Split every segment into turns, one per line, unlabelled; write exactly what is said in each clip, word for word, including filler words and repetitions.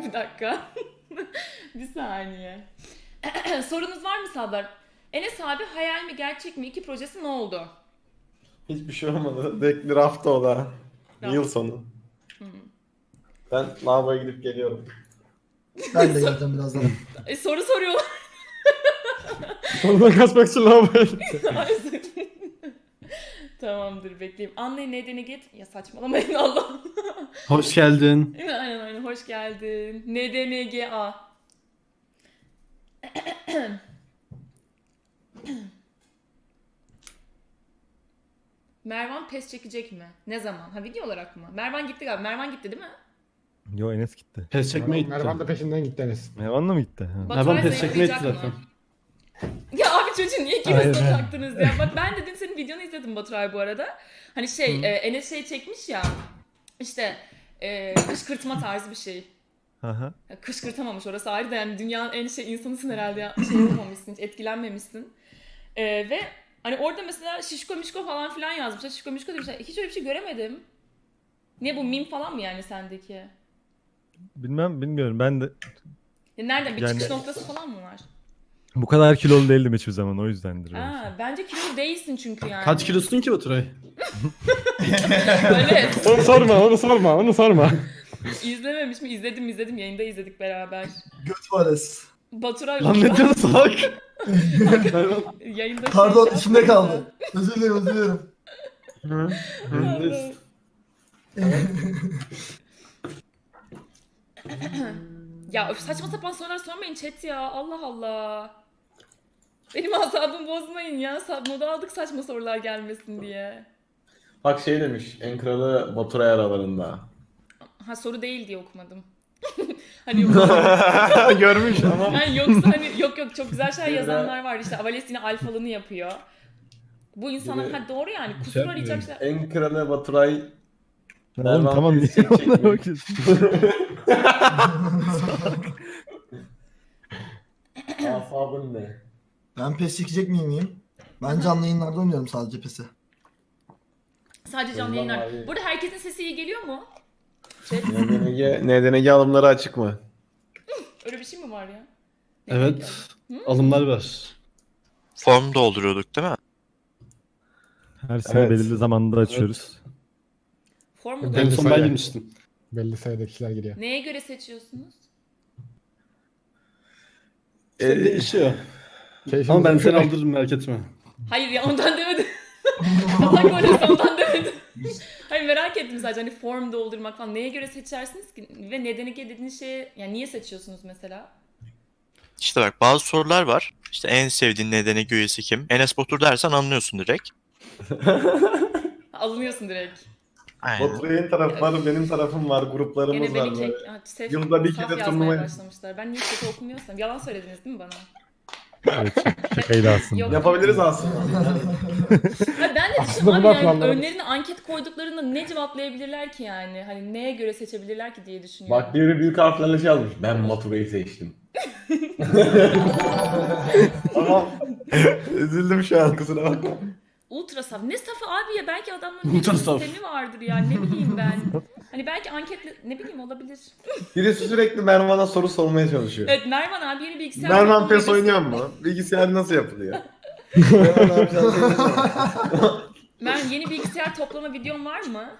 Bir dakika. Bir saniye. Sorunuz var mı Sadlar? Enes abi hayal mi gerçek mi? İki projesi ne oldu?
Hiçbir şey olmadı. Dekli rafta o da.
Raft.
Yıl sonu.
Hı.
Ben lavaboya gidip geliyorum.
Ben de geleceğim birazdan.
E, soru soruyorlar.
Oradan kaçmak için lavaboya
Tamamdır, bekleyeyim. Anlayın nedeni git. Ya saçmalamayın Allah.
Hoş geldin.
Aynen aynen, hoş geldin. N D N G A. Mervan pes çekecek mi? Ne zaman? Ha, video olarak mı? Mervan gitti galiba. Mervan gitti değil mi?
Yo, Enes gitti.
Pes çekmeye gitti.
Mervan da peşinden gitti Enes.
Mervan'la mı gitti? Ha.
Baturay
Mervan pes çekmeye gitti
zayıflayacak
zaten.
mı? Ya abi çocuğun niye
Aynen.
ikiniz taktınız ya? Bak ben de dün senin videonu izledim Baturay bu arada. Hani şey,
Hı.
e, Enes şey çekmiş ya. İşte e, kışkırtma tarzı bir şey.
Aha.
Ya kışkırtamamış, orası ayrı da, yani dünyanın en şey insanısın herhalde ya. Şey yapamamışsın, hiç etkilenmemişsin. E, ve hani orada mesela şişko mişko falan filan yazmışlar. Şişko mişko demişler. Hiç öyle bir şey göremedim. Niye, bu meme falan mı yani sendeki?
Bilmem, bilmiyorum. Ben de
Ya nereden, bir
Yani-
çıkış noktası falan mı var?
bu kadar kilolu değildim hiçbir zaman, o yüzdendir. öyle.
Aa, bence kilolu değilsin çünkü yani.
Kaç kilosun ki Baturay?
Öyle.
Onu sorma, onu sorma, onu sorma.
İzlememiş mi? İzledim izledim. Yayında izledik beraber.
Göt vales.
Baturay
Lan ne diyorsun salak?
yayında şey
Pardon
yaptı.
içimde kaldı. Özür dilerim özür dilerim.
Ya öf, saçma sapan sorular sormayın chat ya. Allah Allah. Benim asabımı bozmayın ya. Sa- Moda aldık saçma sorular gelmesin diye.
Bak şey demiş, en kralı Baturay aralarında.
Ha, soru değil diye okumadım. Hani yoksa,
Görmüş ama.
yani yoksa hani yok yok çok güzel şeyler yazanlar var. İşte Avales yine alfalını yapıyor. Bu insanlar
Gibi.
ha doğru yani kusur arayacak şeyler.
En kralı Baturay.
Ya
Mervan
oğlum tamam, niye
pes çekecek
ona
mi?
bakıyorsun?
Asabın ne?
Ben pes çekecek miyim miyim? Ben canlı yayınlarda oynuyorum sadece pesi.
Sadece canlı
Ondan
yayınlar.
abi.
Burada herkesin sesi iyi geliyor mu? Chat,
N D N G, N D N G alımları açık mı?
öyle bir şey mi var ya?
Evet. Alımlar var.
Form dolduruyorduk değil mi?
Her sene
Evet.
belirli zamanda açıyoruz.
Form mu?
Ben-
En
doldurdun?
son
söyle.
ben girmiştim.
Belli sayıda kişiler giriyor.
Neye göre seçiyorsunuz?
İşte
Ee,
değişiyor.
Keyfimiz
Ama ben
yok.
seni aldırırım merak etme.
Hayır ya, ondan demedim. Allah korusun, ondan demedim. Hayır, merak ettim sadece, hani form doldurmak falan. Neye göre seçersiniz ki? Ve nedeni ki dediğiniz şeye, yani niye seçiyorsunuz mesela?
İşte bak bazı sorular var. İşte en sevdiğin nedeni üyesi kim? Enes Batur dersen anlıyorsun direkt.
Ha, alınıyorsun direkt.
Aynen.
Baturay'ın tarafı var, benim tarafım var, gruplarımız
Gene
var
beni
böyle.
kek... Ha, sef-
Yılda bir
saf
kere
yazmaya
turnuva-
başlamışlar. Ben niye kötü okumuyorsam. Yalan söylediniz değil mi bana?
Evet, şak- şakaydı aslında.
Yok.
Yapabiliriz aslında.
Hayır, ben de
Aslında
düşündüm abi,
bunlar
yani
planlarımız.
önlerine anket koyduklarında ne cevaplayabilirler ki yani? Hani neye göre seçebilirler ki diye düşünüyorum.
Bak biri büyük harflerle şey yazmış. Ben Baturay'ı seçtim. Tamam. Üzüldüm şu an, kusura bakma.
Ultra saf. Ne safı abi ya? Belki adamların
Ultra
bir
saf.
sistemi vardır yani. Ne bileyim ben. Hani belki anketle... Ne bileyim, olabilir.
Birisi sürekli Mervan'a soru sormaya çalışıyor.
Evet, Mervan abi yeni bilgisayar...
Mervan
toplama
PES
videosu-
oynuyor mu? Bilgisayar nasıl yapılıyor? Mervan abi sen söylesene.
Mervan, yeni bilgisayar toplama videon var mı?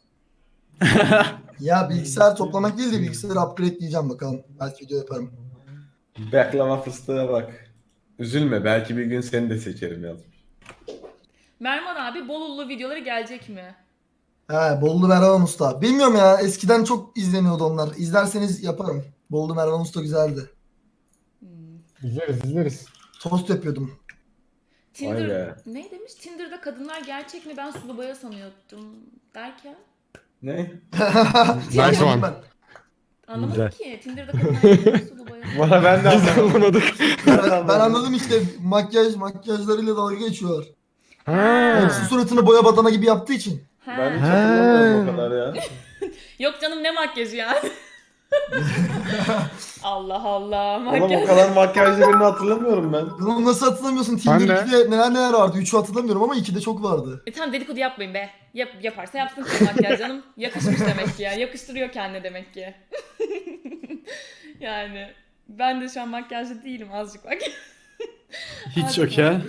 Ya bilgisayar toplamak değil de bilgisayarı upgrade diyeceğim bakalım. Belki video yaparım.
Baklava fıstığa bak. Üzülme, belki bir gün seni de seçerim yazmış.
Mervan abi Bolulu videoları gelecek mi?
He Bollu Mervan Usta. Bilmiyorum ya eskiden çok izleniyordu onlar. İzlerseniz yaparım. Bollu Mervan Usta güzeldi.
Hmm.
İzleriz izleriz.
Tost yapıyordum.
Tinder...
Vay be.
Ne demiş? Tinder'da kadınlar gerçek mi? Ben sulu boya sanıyordum derken.
Ne?
Nice one.
Ben,
Anlamadım
Güzel.
ki. Tinder'da kadınlar gerçek mi? Sulu boya.
Bana ben de anlamadık.
ben, ben anladım işte makyaj makyajlarıyla dalga geçiyorlar.
Ha.
Hepsi suratını boya badana gibi yaptığı için.
Ha.
Ben hiç hatırlamıyorum o kadar ya.
Yok canım, ne makyajı yani? Allah Allah,
Oğlum
makyaj.
o kadar makyajlı birini hatırlamıyorum ben.
Bunu nasıl hatırlamıyorsun?
Ben
Tinder
de.
ikide neler neler vardı. üçü hatırlamıyorum ama ikide çok vardı.
E tamam, dedikodu yapmayın be. Yap, yaparsa yapsın kız makyaj canım. Yakışmış demek ki ya. Yakıştırıyor kendine demek ki. Yani ben de şu an makyajlı değilim azıcık bak.
Hiç yok ya.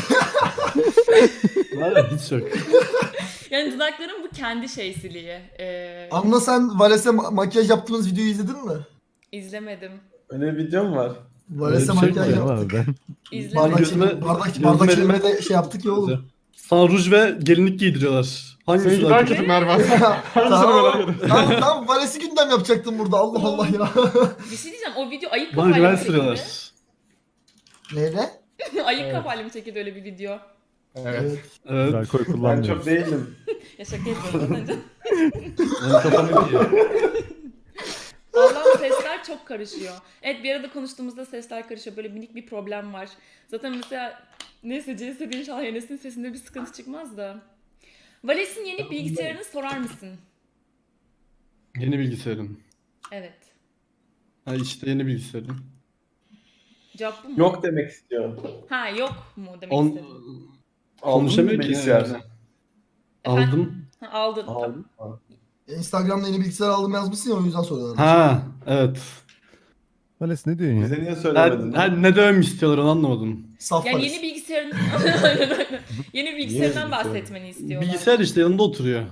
Var ya hiç yok.
Yani dudaklarım bu kendi şeysiliği. Ee,
Anla sen Vales'e ma- makyaj yaptığımız videoyu izledin mi?
izlemedim.
Öyle bir video mu var?
Vales'e
Öyle bir şey
makyaj
mi
Ama
yaptık.
ben
İzlemedim.
Bardak,
Gözüme-
çekim- bardak,
gözüme
bardak
elime-
çevirme de şey yaptık ya oğlum.
Sana ruj ve gelinlik giydiriyorlar. Hangisi
Seninki
daha
daha
kötü?
kötü Mervan.
tamam, tamam, tamam. Vales'i gündem yapacaktım burada. Allah Allah ya.
Bir şey diyeceğim o video ayık
Bana
kafayla
güven
mı çekildi?
sürüyorlar.
Neyle?
ayık
Evet.
kafayla mı çekildi öyle bir video?
Evet.
Evet.
alkol
Ben
kullanmıyorum.
çok değilim.
Ya şaka yapıyorum az önce.
Benim kafam iyi.
Allah'ım sesler çok karışıyor. Evet bir arada konuştuğumuzda sesler karışıyor. Böyle minik bir problem var. Zaten mesela neyse C S inşallah Enes'in sesinde bir sıkıntı çıkmaz da. Vales'in yeni bilgisayarını sorar mısın?
Yeni bilgisayarın.
Evet.
Ha işte yeni bilgisayarın.
Cevap bu mu?
Yok demek istiyor.
Ha yok mu demek
On...
istedim.
Konuşamıyor ki.
bilgisayar.
yani. Aldım.
Ha, aldın.
Aldım.
Instagram'da yeni bilgisayar aldım yazmışsın ya o yüzden soruyorlar.
Ha evet.
Vales ne diyorsun ya?
Bize niye
Ha,
söylemedin?
ha, ne dövüm istiyorlar onu anlamadım.
Saf
Yani
Vales.
yeni bilgisayarın Aynen, aynen. yeni bilgisayarından
bilgisayar?
bahsetmeni istiyorlar.
Bilgisayar işte yanında oturuyor.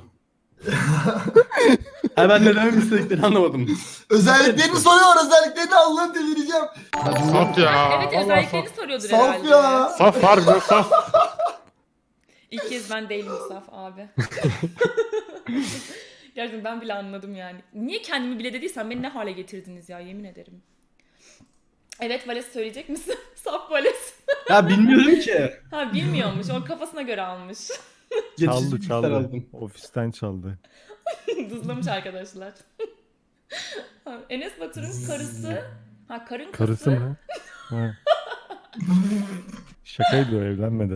ha ben ne dövüm istediklerini anlamadım.
Özelliklerini soruyor. Özelliklerini Allah'ım delireceğim.
Saf ya.
Evet
Vallahi
özelliklerini
saf.
soruyordur
Saf
herhalde.
ya.
Saf harbiden saf.
İlk kez ben değilim Saf abi. Gerçekten ben bile anladım yani. Niye kendimi bile dediysem beni ne hale getirdiniz ya yemin ederim. Evet Vales söyleyecek misin? Saf Vales.
Ya bilmiyorum ki.
Ha bilmiyormuş. O kafasına göre almış.
Geçici
Çaldı
bilgisayar
çaldı.
aldım.
Ofisten çaldı.
Dızlamış arkadaşlar. Ha, Enes Batur'un karısı. Ha karın
Karısı
kası.
mı? Ha. Şakaydı o, evlenmedi.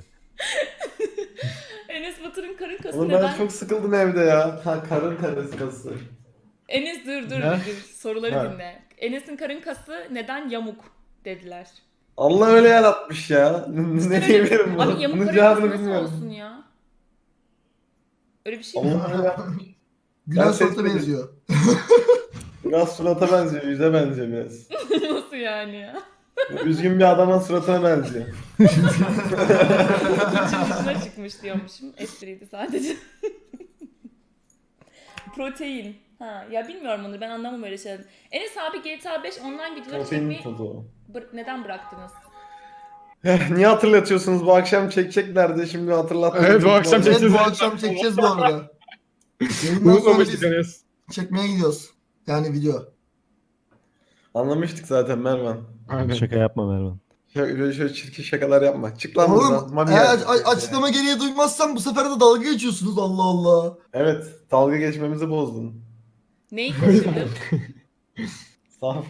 Enes Batur'un karın kası
Oğlum
neden?
ben çok sıkıldım evde ya. Ha, karın karıskası.
Enes dur dur
Ne?
dur soruları
Ha.
dinle. Enes'in karın kası neden yamuk dediler.
Allah öyle yaratmış ya. ne diyebilirim buna?
Abi yamuk
Bunun
karın kası
cevabını
nasıl
bilmiyorum.
olsun ya? Öyle bir şey mi?
Allah öyle yapmış.
Gülen
Ben
Suat'a
seçmedim.
benziyor.
Biraz surata benziyor, yüze benziyor biraz.
Nasıl yani ya?
Üzgün bir adamın suratına benziyor.
Dışına çıkmış diyormuşum. Espriydi sadece. Protein. Ha ya bilmiyorum onu ben anlamam öyle şeyler. Enes abi G T A beş online videoları
Protein
çekmeyi
tozu o.
bır- neden bıraktınız?
Eh, Niye hatırlatıyorsunuz? Bu akşam çekeceklerdi. Şimdi hatırlattınız.
Evet, bu akşam
Evet
çekeceğiz.
bu akşam çekeceğiz bu arada. Yayından sonra
Unutmamıştık
biz
Enes.
çekmeye gidiyoruz. Yani video.
Anlamıştık zaten Mervan.
Aynen.
Şaka yapma Mervan.
Şöyle, şöyle çirkin şakalar yapma. Çık lan
Oğlum
buradan. Mami
eğer
geldi.
a- açıklama gereği duymazsam bu sefer de dalga geçiyorsunuz Allah Allah.
Evet. Dalga geçmemizi bozdun.
Neyi kaçırdın?
Saf.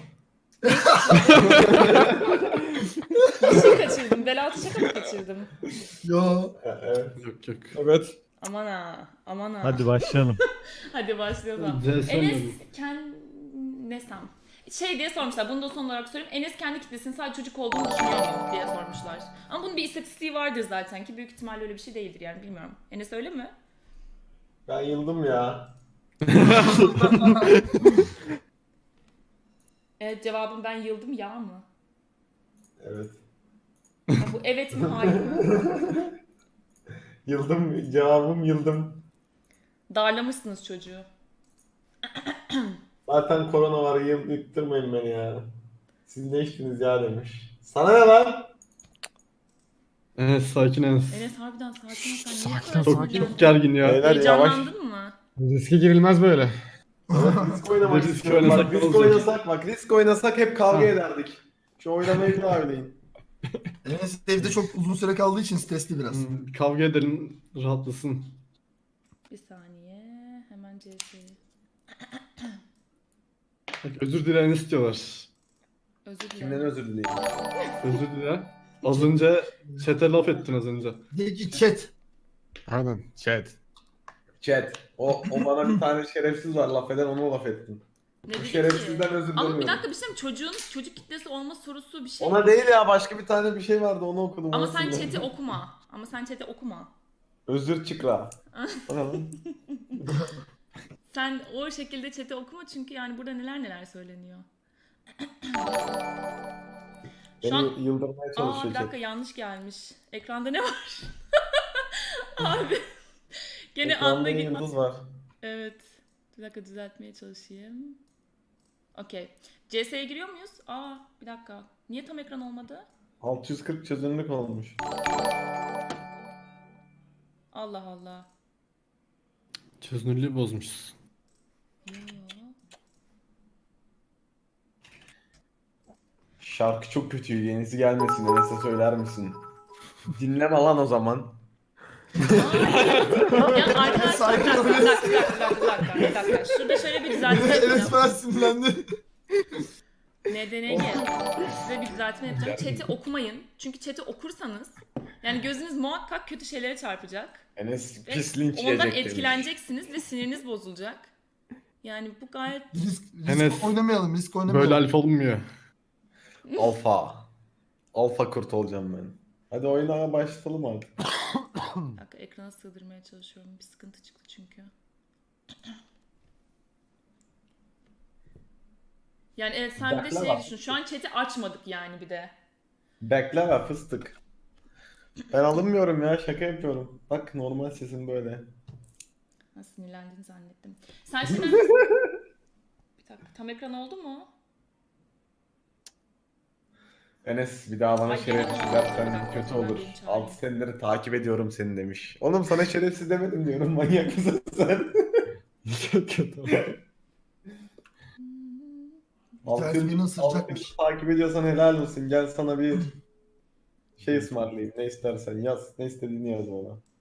Bir şey kaçırdım. Belaltı şaka mı kaçırdım?
Yo.
Evet.
Yok yok.
Evet.
Aman ha. Aman ha.
Hadi başlayalım.
Hadi başlayalım.
Güzel
Enes
sormadım.
kend... Nesem? Şey diye sormuşlar. Bunu da son olarak sorayım. Enes kendi kitlesinin sadece çocuk olduğunu düşünüyor mu diye sormuşlar. Ama bunun bir istatistiği vardır zaten ki büyük ihtimalle öyle bir şey değildir yani bilmiyorum. Enes öyle mi?
Ben yıldım ya.
Evet cevabım ben yıldım ya mı?
Evet.
Ya bu evet mi hayır mı?
Yıldım. Cevabım yıldım.
Darlamışsınız çocuğu.
Zaten korona var. Yıl yıktırmayın beni ya. Siz ne içtiniz ya demiş. Sana ne lan?
Enes sakin Enes.
Enes harbiden sakin ol sen niye
Sakin
bu
ol,
kadar
Çok,
sinirlendin?
çok gergin ya.
Beyler yavaş.
Heyecanlandın mı?
Riske girilmez böyle.
Risk oynamak
Risk
istiyorum.
oynasak
Bak,
ne
risk
olacak?
oynasak bak. Risk oynasak hep kavga
Ha.
ederdik. Şu oynamayı bir daha oynayın.
Enes evde çok uzun süre kaldığı için stresli biraz.
Hmm, kavga edelim rahatlasın.
Bir saniye. Hemen C S'yi.
Bak, özür dilerini istiyorlar.
Özür
Kimden
dilerim.
özür dileyim?
Özür dile. Az önce chat'e laf ettin az önce.
De ki chat.
Aynen. Chat.
Chat. O, o bana bir tane şerefsiz var laf eden onu laf ettin.
Ne
Bu
dedi
şerefsizden
ki?
özür
Ama bir
diliyorum.
dakika bir şey mi? Çocuğun çocuk kitlesi olma sorusu bir şey.
Ona değil ya başka bir tane bir şey vardı onu okudum.
Ama
onu
sen
sildim.
chat'i okuma. Ama sen chat'i okuma.
Özür çıkra. O ne lan?
Sen o şekilde chat'i okuma çünkü yani burada neler neler söyleniyor.
Beni
Şu an...
yıldırmaya
Aa
çalışıyor
bir dakika
chat.
yanlış gelmiş. Ekranda ne var? Abi. Gene
Ekranda
anla
yıldız var.
Evet. Bir dakika düzeltmeye çalışayım. Okey. C S'ye giriyor muyuz? Aa bir dakika. Niye tam ekran olmadı?
altı yüz kırk çözünürlük olmuş.
Allah Allah.
Çözünürlüğü bozmuşsun.
Yo.
Şarkı çok kötü. Yenisi gelmesin. Enes'e söyler misin? Dinleme lan o zaman.
Ya arkadaşlar
Sakin
bir dakika,
ol.
bir dakika, bir dakika, bir dakika, bir dakika, bir dakika. Şurada şöyle bir düzeltme
Enes
yapacağım.
falan sinirlendi.
N D N G. Size bir düzeltme yapacağım. Chat'i okumayın. Çünkü chat'i okursanız yani gözünüz muhakkak kötü şeylere çarpacak.
Enes
Ve
pis linç
ondan
yiyecek demiş.
etkileneceksiniz ve siniriniz bozulacak. Yani bu gayet...
Risk, risk
Enes,
oynamayalım, risk oynamayalım.
Böyle alfa olmuyor.
Alfa. Alfa kurt olacağım ben. Hadi oyuna başlayalım artık.
Bir dakika, ekrana sığdırmaya çalışıyorum. Bir sıkıntı çıktı çünkü. Yani evet sen bir de
Bekle
şey
bak.
düşün. Şu an chat'i açmadık yani bir de.
Bekleme fıstık. Ben alınmıyorum ya, şaka yapıyorum. Bak normal sesim böyle.
Ha, sinirlendiğini zannettim. Sen şimdi... bir dakika, tam ekran oldu mu?
Enes bir daha bana
Ay,
şerefsiz
gene-
dersen kötü
Ben
olur.
benim çağırayım.
altı seneleri takip ediyorum seni demiş. Oğlum sana şerefsiz demedim diyorum, manyak mısın sen?
Kötü oldu.
altı
tanesi
yıl-
birini ısıracakmış.
altı yıl takip ediyorsan helal olsun. Gel sana bir şey ısmarlayayım. Ne istersen yaz. Ne istediğini yaz bana.